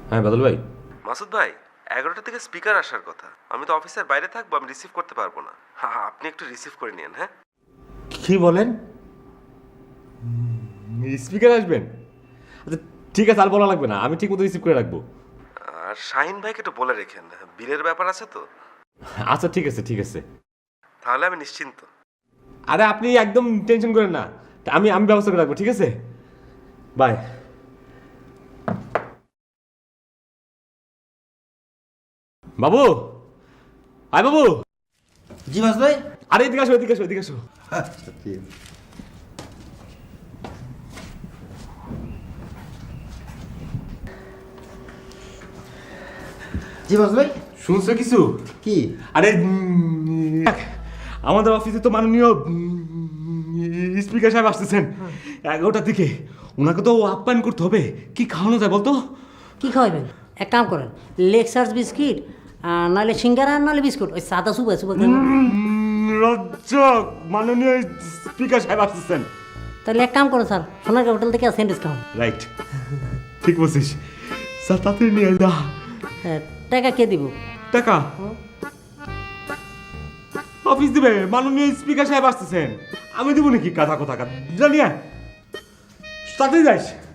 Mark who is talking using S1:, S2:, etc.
S1: হ্যাঁ বাদল ভাই।
S2: মাসুদ ভাই, 11টা থেকে স্পিকার আসার কথা। আমি তো অফিসের বাইরে থাকবো, আমি রিসিভ করতে পারবো না। হ্যাঁ, আপনি একটু রিসিভ করে নিন। হ্যাঁ,
S1: কি বলেন? স্পিকার আসবেন? আচ্ছা ঠিক আছে, আর বলা লাগবে না, আমি ঠিক মতো রিসিভ করে রাখবো।
S2: আর শাহিন ভাইকে একটু বলে রেখেন, বিলের ব্যাপার আছে তো।
S1: আচ্ছা ঠিক আছে ঠিক আছে।
S2: তাহলে আমি নিশ্চিন্ত।
S1: আরে আপনি একদম টেনশন করেন না, আমি আমি ব্যবস্থা করে রাখবো, ঠিক আছে? বাই। বাবু, আয় বাবু।
S3: জি মাস ভাই।
S1: আরে এদিকে আসো এদিকে আসো এদিকে আসো।
S3: আচ্ছা ঠিক আছে। জি মাস ভাই।
S1: শুনছো কিছু?
S3: কি?
S1: আরে আমাদের অফিসে তো মাননীয় স্পিকার সাহেব আসতেছেন 11টার দিকে। ওনাকে তো আপ্যায়ন করতে হবে। কি খাওয়ানো যায় বলতো?
S4: কি খাওয়াবেন? এক কাম করেন, লেক্সার্স বিস্কিট, নাহলে সিঙ্গারা, নাহলে বিস্কুট, ওই সাদা সুবা সুবা।
S1: রজ্জক, মাননীয় স্পিকার সাহেব আসতেছেন।
S4: তাহলে এক কাম করেন স্যার, সোনারগাঁ হোটেল থেকে স্যান্ডউইচ খাওয়ান।
S1: রাইট, ঠিক বলছিস। স্যার তাড়াতাড়ি নিয়ে যা।
S4: হ্যাঁ, টাকা কে দিব?
S1: টাকা অফিস দিবে, মাননীয় স্পিকার সাহেব আসতেছেন। আমি দেবো নাকি? কথা কথা জানিয়া তাড়াতাড়ি যাইস।